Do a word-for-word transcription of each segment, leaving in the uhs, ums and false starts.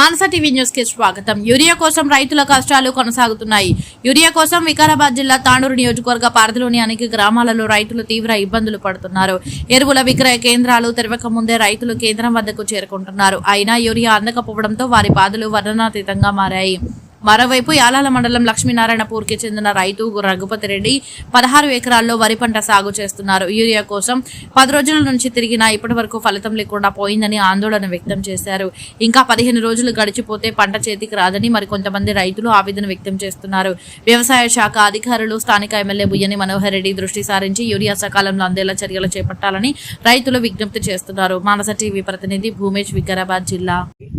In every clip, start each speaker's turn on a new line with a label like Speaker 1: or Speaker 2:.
Speaker 1: మానస TV news కి స్వాగతం. Urea కోసం రైతుల కష్టాలు కొనసాగుతున్నాయి. యూరియా కోసం వికారాబాద్ జిల్లా తాండూరు నియోజకవర్గ పరిధిలోని అనేక గ్రామాలలో రైతులు తీవ్ర ఇబ్బందులు పడుతున్నారు. ఎరువుల విక్రయ కేంద్రాలు తెరవక ముందే రైతులు కేంద్రం వద్దకు చేరుకుంటున్నారు. అయినా యూరియా అందకపోవడంతో వారి బాధలు వర్ణనాతీతంగా మారాయి. మరోవైపు యాలాల మండలం లక్ష్మీనారాయణపూర్కి చెందిన రైతు రఘుపతి రెడ్డి పదహారు ఎకరాల్లో వరి పంట సాగు చేస్తున్నారు. యూరియా కోసం పది రోజుల నుంచి తిరిగినా ఇప్పటి వరకు ఫలితం లేకుండా పోయిందని ఆందోళన వ్యక్తం చేశారు. ఇంకా పదిహేను రోజులు గడిచిపోతే పంట చేతికి రాదని మరికొంతమంది రైతులు ఆవేదన వ్యక్తం చేస్తున్నారు. వ్యవసాయ శాఖ అధికారులు స్థానిక ఎమ్మెల్యే బుయ్యని మనోహర్ రెడ్డి దృష్టి సారించి యూరియా సకాలంలో అందేలా చర్యలు చేపట్టాలని రైతులు విజ్ఞప్తి చేస్తున్నారు. మానస టీవీ ప్రతినిధి భూమేష్, వికారాబాద్ జిల్లా.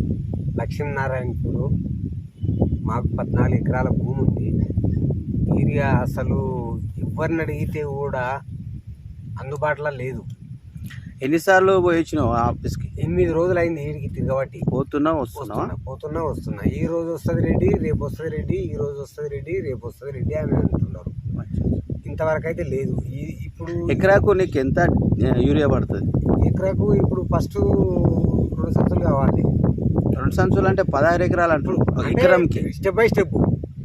Speaker 2: లక్ష్మీనారాయణపూర్ మాకు పద్నాలుగు ఎకరాల భూమి ఉంది. యూరియా అసలు ఎవరిని అడిగితే కూడా అందుబాటులో లేదు.
Speaker 3: ఎన్నిసార్లు పోయి వచ్చినావు ఆఫీస్కి?
Speaker 2: ఎనిమిది రోజులు అయింది ఈడికి తిరగబట్టి.
Speaker 3: పోతున్నా వస్తున్నా
Speaker 2: పోతున్నా వస్తున్నా ఈ రోజు వస్తుంది రెడ్డి, రేపు వస్తుంది రెడ్డి, ఈ రోజు వస్తుంది రెడ్డి, రేపు వస్తుంది రెడ్డి అని అంటున్నారు. ఇంతవరకు అయితే లేదు. ఇప్పుడు
Speaker 3: ఎకరాకు నీకు ఎంత యూరియా పడుతుంది?
Speaker 2: ఎకరాకు ఇప్పుడు ఫస్ట్ రెండు సంచులు కావాలి.
Speaker 3: రెండు సంచులు అంటే పదహారు ఎకరాలు అంటారు ఎకరంకి.
Speaker 2: Step by step.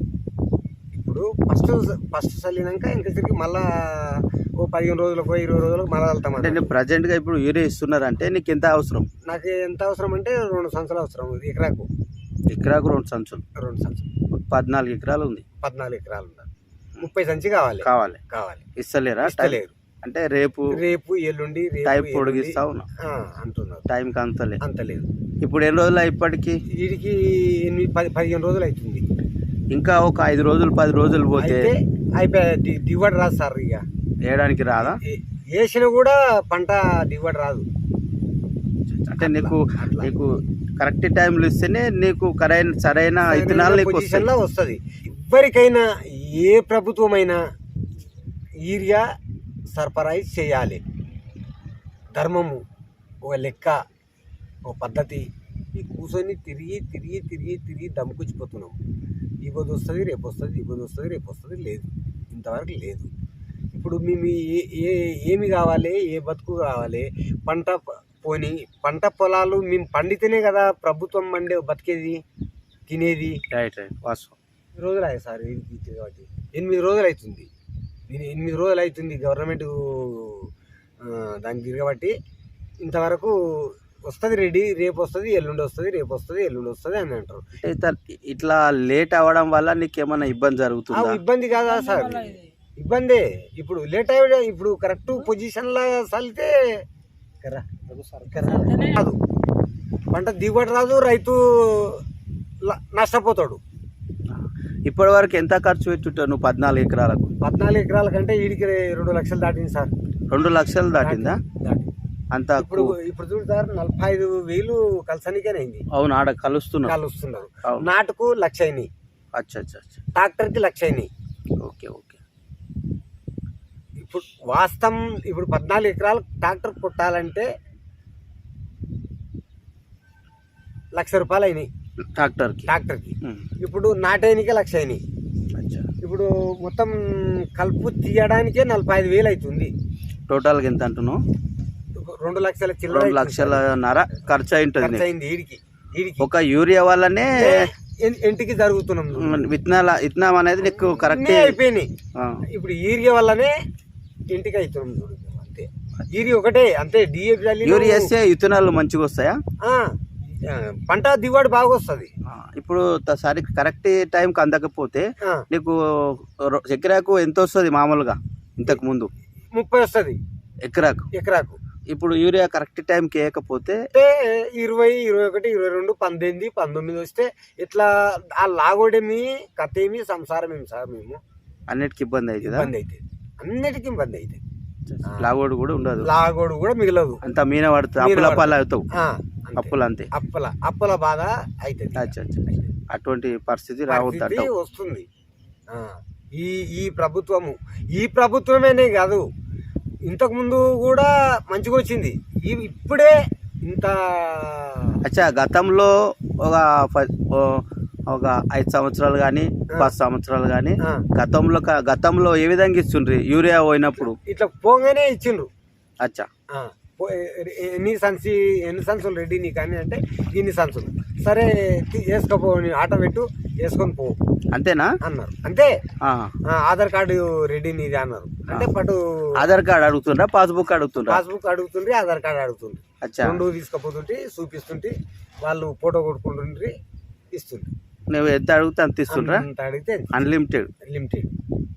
Speaker 2: ఇప్పుడు ఫస్ట్ ఫస్ట్ చల్లినాక ఇంకా తిరిగి మళ్ళా ఓ పదిహేను రోజులకు ఇరవై రోజులకు మళ్ళీ వెళ్తాం.
Speaker 3: అంటే నేను ప్రజెంట్గా ఇప్పుడు యూరియా ఇస్తున్నారంటే నీకు ఎంత అవసరం?
Speaker 2: నాకు ఎంత అవసరం అంటే రెండు సంచులు అవసరం ఎకరాకు.
Speaker 3: ఎకరాకు రెండు సంచులు
Speaker 2: రెండు సంచులు
Speaker 3: పద్నాలుగు ఎకరాలు ఉంది.
Speaker 2: పద్నాలుగు ఎకరాలు ఉంది. ముప్పై సంచి కావాలి
Speaker 3: కావాలి
Speaker 2: కావాలి
Speaker 3: ఇస్తలేరా?
Speaker 2: ఇస్తలేరు.
Speaker 3: అంటే రేపు
Speaker 2: రేపు ఎల్లుండి
Speaker 3: టైం పొడిగిస్తా ఉన్నా
Speaker 2: అంటున్నారు.
Speaker 3: టైంకి అంతలేదు
Speaker 2: అంతలేదు.
Speaker 3: ఇప్పుడు ఎన్ని రోజులు ఇప్పటికి?
Speaker 2: వీడికి ఎనిమిది పది పదిహేను రోజులు అవుతుంది.
Speaker 3: ఇంకా ఒక ఐదు రోజులు పది రోజులు పోతే
Speaker 2: అయిపోయా. దిగుబడి రాదు సార్. ఇక
Speaker 3: వేయడానికి రాదా?
Speaker 2: వేసినా కూడా పంట దిగుబడి రాదు.
Speaker 3: అంటే నీకు నీకు కరెక్ట్ టైంలో ఇస్తేనే నీకు కరైన సరైన విత్తనాలు
Speaker 2: పొజిషన్లో వస్తుంది. ఎవరికైనా ఏ ప్రభుత్వమైనా యూరియా సరఫరాయి చేయాలి. ధర్మము, ఒక లెక్క, ఒక పద్ధతి. ఈ కూర్చొని తిరిగి తిరిగి తిరిగి తిరిగి దమ్ముకొచ్చిపోతున్నాం. ఈ రోజు వస్తుంది రేపు వస్తుంది, ఈ రోజు వస్తుంది రేపు వస్తుంది, లేదు. ఇంతవరకు లేదు. ఇప్పుడు మేము ఏ ఏ ఏమి కావాలి, ఏ బతుకు కావాలి? పంట పోని పంట పొలాలు మేము పండితేనే కదా ప్రభుత్వం పండే బతికేది, తినేది.
Speaker 3: రైట్ రైట్ వాస్తవం.
Speaker 2: రోజులు అయ్యాయి సార్ కాబట్టి. ఎనిమిది రోజులు అవుతుంది. నేను ఎనిమిది రోజులు అవుతుంది గవర్నమెంట్ దానికి తిరగబట్టి. ఇంతవరకు వస్తుంది రెడీ, రేపు వస్తుంది, ఎల్లుండి వస్తుంది, రేపు వస్తుంది, ఎల్లుండి వస్తుంది అని అంటారు.
Speaker 3: ఇట్లా లేట్ అవ్వడం వల్ల నీకు ఏమైనా ఇబ్బంది జరుగుతుందా?
Speaker 2: ఇబ్బంది కాదా సార్? ఇబ్బందే. ఇప్పుడు లేట్ అయ్యే ఇప్పుడు కరెక్ట్ పొజిషన్లో చల్లితే కాదు, పంట దిగుబడి రాదు, రైతు నష్టపోతాడు.
Speaker 3: ఇప్పటి వరకు ఎంత ఖర్చు పెట్టుంటావు నువ్వు పద్నాలుగు ఎకరాలకు?
Speaker 2: పద్నాలుగు ఎకరాల కంటే వీడికి రెండు లక్షలు దాటింది సార్.
Speaker 3: రెండు లక్షలు దాటిందా? అంత
Speaker 2: ఇప్పుడు ఇప్పుడు చూడు సార్, నలభై ఐదు వేలు కలసనికేనైంది.
Speaker 3: అవును, ఆడ కలుస్తున్నారు
Speaker 2: కలుస్తున్నారు. నాటుకు లక్ష అయినాయి.
Speaker 3: అచ్చా అచ్చా అచ్చా.
Speaker 2: ట్రాక్టర్కి లక్ష అయినాయి.
Speaker 3: Okay okay.
Speaker 2: ఇప్పుడు వాస్తవం ఇప్పుడు పద్నాలుగు ఎకరాలు ట్రాక్టర్ కొట్టాలంటే లక్ష రూపాయలు అయినాయి
Speaker 3: ట్రాక్టర్కి
Speaker 2: ట్రాక్టర్కి ఇప్పుడు నాటేనికే లక్ష అయినాయి. ఇప్పుడు మొత్తం కలుపు తీయడానికే నలభై ఐదు వేలు అవుతుంది.
Speaker 3: టోటల్గా ఎంత అంటున్నావు?
Speaker 2: రెండు లక్షల చిల్లర,
Speaker 3: రెండు లక్షలన్నర ఖర్చు అయింటుంది
Speaker 2: ఈడికి. ఈడికి
Speaker 3: ఒక యూరియా వల్లనే
Speaker 2: ఇంటికి జరుగుతున్నాం.
Speaker 3: విత్తనాల విత్తనం అనేది నీకు కరెక్ట్
Speaker 2: అయిపోయినాయి. ఇప్పుడు యూరియా వల్లనే ఇంటికి అవుతున్నాం. అంతే, యూరియా ఒకటే. అంతే. డిఏపి
Speaker 3: యూరియా వేస్తే విత్తనాలు మంచిగా వస్తాయా?
Speaker 2: పంట దిగుబడి బాగా వస్తుంది.
Speaker 3: ఇప్పుడు సరి కరెక్ట్ టైంకి అందకపోతే నీకు ఎకరాకు ఎంత వస్తుంది మామూలుగా? ఇంతకు ముందు
Speaker 2: ముప్పై వస్తుంది ఎకరాకు ఎకరాకు
Speaker 3: ఇప్పుడు యూరియా కరెక్ట్ టైంకి వేయకపోతే
Speaker 2: ఇరవై ఇరవై ఒకటి ఇరవై రెండు పంతొమ్మిది పంతొమ్మిది వస్తే ఇట్లా ఆ లాగోడేమి కథేమి సంసారం ఏమి సార్. మేము
Speaker 3: అన్నిటికి ఇబ్బంది అవుతుంది.
Speaker 2: ఇబ్బంది అవుతుంది, అన్నిటికీ ఇబ్బంది అవుతుంది.
Speaker 3: లాగోడు కూడా ఉండదు,
Speaker 2: లాగోడు కూడా మిగలదు.
Speaker 3: అంత మీన పడుతుంది, అప్పుల పాలు అవుతావు. అప్పులు అంతే,
Speaker 2: అప్పుల అప్పుల బాధ అవుతుంది.
Speaker 3: అటువంటి పరిస్థితి రావద్దు
Speaker 2: వస్తుంది. ఈ ఈ ప్రభుత్వము ఈ ప్రభుత్వమేనే కాదు, ఇంతకు ముందు కూడా మంచిగా వచ్చింది. ఇప్పుడే ఇంత
Speaker 3: అచ్చా. గతంలో ఒక ఒక ఐదు సంవత్సరాలు కానీ పది సంవత్సరాలు కానీ గతంలో గతంలో ఏ విధంగా ఇస్తుండ్రు యూరియా పోయినప్పుడు?
Speaker 2: ఇట్లా పోగానే ఇచ్చిండ్రు.
Speaker 3: అచ్చా.
Speaker 2: ఎన్ని సంచి ఎన్ని సంచులు రెడీ నీకు అని అంటే ఇన్ని సంచులు సరే తీ- వేసుకోపో నీ ఆటో పెట్టు వేసుకొని పో
Speaker 3: అంతేనా?
Speaker 2: అన్నారు. అంతే.
Speaker 3: ఆహా.
Speaker 2: ఆ, ఆధార్ కార్డు రెడీ నీది అన్నారు. అంటే పటు
Speaker 3: ఆధార్ కార్డు అడుగుతుండ్రా పాస్బుక్ అడుగుతుండ్రా?
Speaker 2: పాస్బుక్ అడుగుతుండ్రి, ఆధార్ కార్డు అడుగుతుండ్రి.
Speaker 3: అచ్చా.
Speaker 2: రెండు తీసుకపోతుంటే చూపిస్తుంటే వాళ్ళు ఫోటో కొట్టుకుంటుండ్రి, ఇస్తుండ్రి.
Speaker 3: నువ్వు ఎంత అడిగితే అంత ఇస్తుండ్రా?
Speaker 2: అంత అడిగితే
Speaker 3: అన్లిమిటెడ్.
Speaker 2: లిమిటెడ్.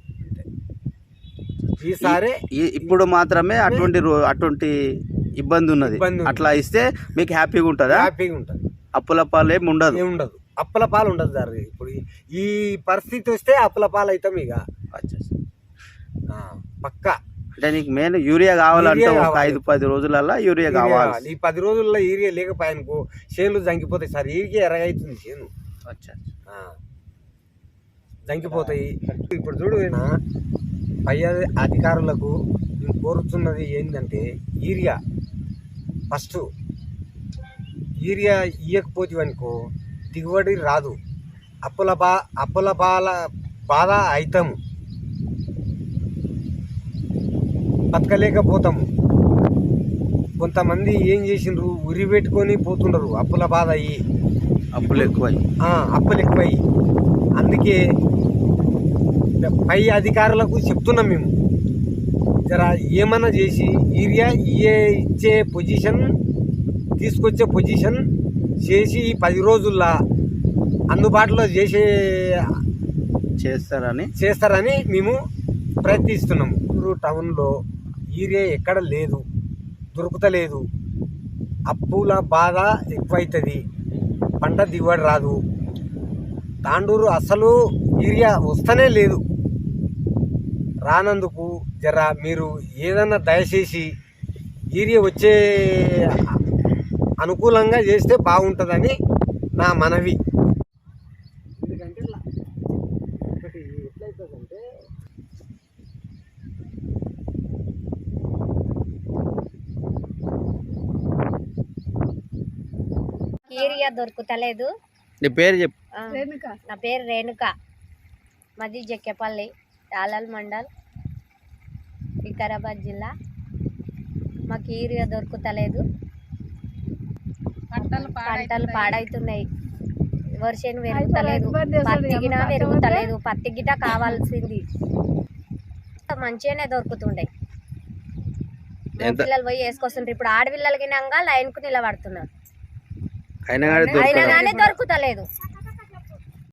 Speaker 2: ఈసారి
Speaker 3: ఈ- ఇప్పుడు మాత్రమే అటువంటి రో- అటువంటి ఇబ్బంది ఉన్నది.
Speaker 2: ఇబ్బంది ఉంది.
Speaker 3: అట్లా ఇస్తే మీకు హ్యాపీగా ఉంటుందా?
Speaker 2: హ్యాపీగా ఉంటుంది.
Speaker 3: అప్పుల పాలు ఏమి ఉండదు.
Speaker 2: ఏముండదు, అప్పల పాలు ఉండదు సార్. ఇప్పుడు ఈ- ఈ పరిస్థితి వస్తే అప్పల పాలు అవుతాం ఇక
Speaker 3: అచ్చా.
Speaker 2: ఆ, పక్కా.
Speaker 3: అంటే నీకు మెయిన్ యూరియా కావాలంటే
Speaker 2: యూరియా
Speaker 3: ఒక
Speaker 2: కావాలి.
Speaker 3: ఐదు పది రోజులలో యూరియా
Speaker 2: యూరియా
Speaker 3: కావాలి.
Speaker 2: కావాలి. ఈ పది రోజుల్లో ఈరియా లేకపోయానుకో చేనులు జంకిపోతాయి సార్. ఈరియా ఎరగైతుంది చేను,
Speaker 3: అచ్చా.
Speaker 2: ఆ, జంకిపోతాయి. ఇప్పుడు చూడు నా పై అధి- అధికారులకు నేను కోరుతున్నది ఏంటంటే యూరియా ఫస్ట్ యూరియా ఇయ్యకపోతే అనుకో దిగుబడి రాదు. అప్పుల బా అప్పుల బాల బాధ అవుతాము, బతకలేకపోతాము. కొంతమంది ఏం చేసిండ్రు, ఉరి పెట్టుకొని పోతుండరు అప్పుల బాధ అయ్యి,
Speaker 3: అప్పులు ఎక్కువ.
Speaker 2: ఆ, అప్పులు ఎక్కువయ్యి. అందుకే పై అధికారులకు చెప్తున్నాం మేము, జర ఏమన్నా చేసి యూరియా ఇయ్యే ఇచ్చే పొజిషన్ తీసుకొచ్చే పొజిషన్ చేసి ఈ పది రోజుల్లో అందుబాటులో చేసే
Speaker 3: చేస్తారని
Speaker 2: చేస్తారని మేము ప్రయత్నిస్తున్నాము. ఊరు టౌన్లో యూరియా ఎక్కడ లేదు, దొరుకుతలేదు. అప్పుల బాధ ఎక్కువైతుంది, పంట దిగుబడి రాదు. తాండూరు అసలు యూరియా వస్తనే లేదు. రానందుకు జర మీరు ఏదన్నా దయచేసి యూరియా వచ్చే అనుకూలంగా చేస్తే బాగుంటుందని నా మనవి. ఎందుకంటే ఒకటి ఎట్లయితుందంటే
Speaker 4: యూరియా దొరుకుతలేదు.
Speaker 3: నీ పేరు చెప్పు.
Speaker 4: ఆ, నా పేరు రేణుక, మాది జక్కేపల్లి, తాళాల్ మండల్, వికారాబాద్ జిల్లా. మాకు యూరియా దొరుకుతలేదు, పంటలు పాడవుతున్నాయి, వర్షం పెరుగుతలేదు, పత్తి గిన పెరుగుతలేదు. పత్తి గిట కావాల్సింది మంచిగానే దొరుకుతుండే. పిల్లలు పోయి వేసుకొస్తుంటారు. ఇప్పుడు ఆడపిల్లలకి లైన్కు నిలబడుతున్నారు,
Speaker 3: అయినా కానీ
Speaker 4: అయినా కానీ దొరుకుతలేదు.